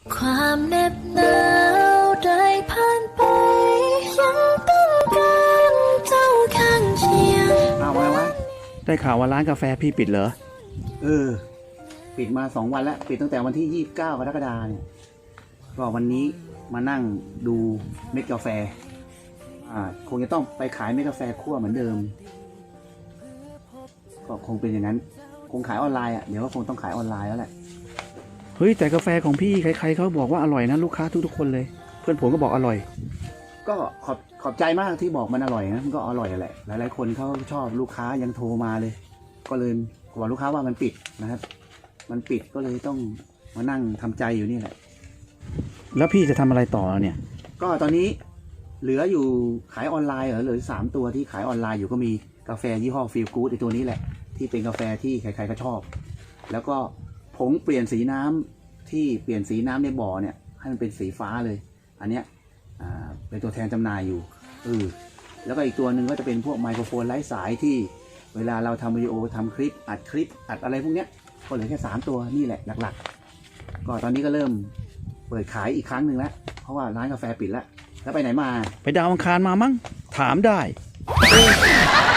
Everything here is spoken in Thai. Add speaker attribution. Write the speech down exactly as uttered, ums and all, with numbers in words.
Speaker 1: ความเหน็บหนาวได้ผ่านไปยังต้องการเจ้าข้างเคียง
Speaker 2: เอาไว้วะ
Speaker 3: ได้ข่าวว่าร้านกาแฟพี่ปิดเหรอ
Speaker 2: เออ ปิดมาสองวันแล้ว ปิดตั้งแต่วันที่ยี่สิบเก้ากรกฎาคมเนี่ยก็วันนี้มานั่งดูเม็ดกาแฟ อ่า คงจะต้องไปขายเม็ดกาแฟคั่วเหมือนเดิม ก็คงเป็นอย่างนั้น คงขายออนไลน์อ่ะ เดี๋ยวก็คงต้องขายออนไลน์แล้วแหละ
Speaker 3: เฮ้ยแต่กาแฟของพี่ใครๆเขาบอกว่าอร่อยนะลูกค้าทุกๆคนเลย เพื่อนผมก็บอกอร่อย
Speaker 2: ก็ขอบขอบใจมากที่บอกมันอร่อยนะมันก็อร่อยแหละหลายๆคนเขาชอบลูกค้ายังโทรมาเลย ก็เลยบอกลูกค้าว่ามันปิดนะครับ มันปิดก็เลยต้องมานั่งทำใจอยู่นี่แหละ
Speaker 3: แล้วพี่จะทำอะไรต่อเนี่ย
Speaker 2: ก็ตอนนี้เหลืออยู่ขายออนไลน์เหรอเหลือสามตัวที่ขายออนไลน์อยู่ก็มีกาแฟยี่ห้อฟีลกู๊ดไอตัวนี้แหละที่เป็นกาแฟที่ใครๆก็ชอบ แล้วก็ผงเปลี่ยนสีน้ำที่เปลี่ยนสีน้ำในบ่อเนี่ยให้มันเป็นสีฟ้าเลย อันเนี้ยอ่าเป็นตัวแทนจำหน่ายอยู่เออแล้วก็อีกตัวหนึ่งก็จะเป็นพวกไมโครโฟนไร้สายที่เวลาเราทำวิดีโอทำคลิปอัดคลิปอัดอะไรพวกเนี้ยก็เหลือแค่สามตัวนี่แหละหลักๆก็ตอนนี้ก็เริ่มเปิดขายอีกครั้งหนึ่งแล้วเพราะว่าร้านกาแฟปิดแล้วแล้วไปไหนมา
Speaker 3: ไปดาวอังคารมามั้งถามได้
Speaker 2: เออ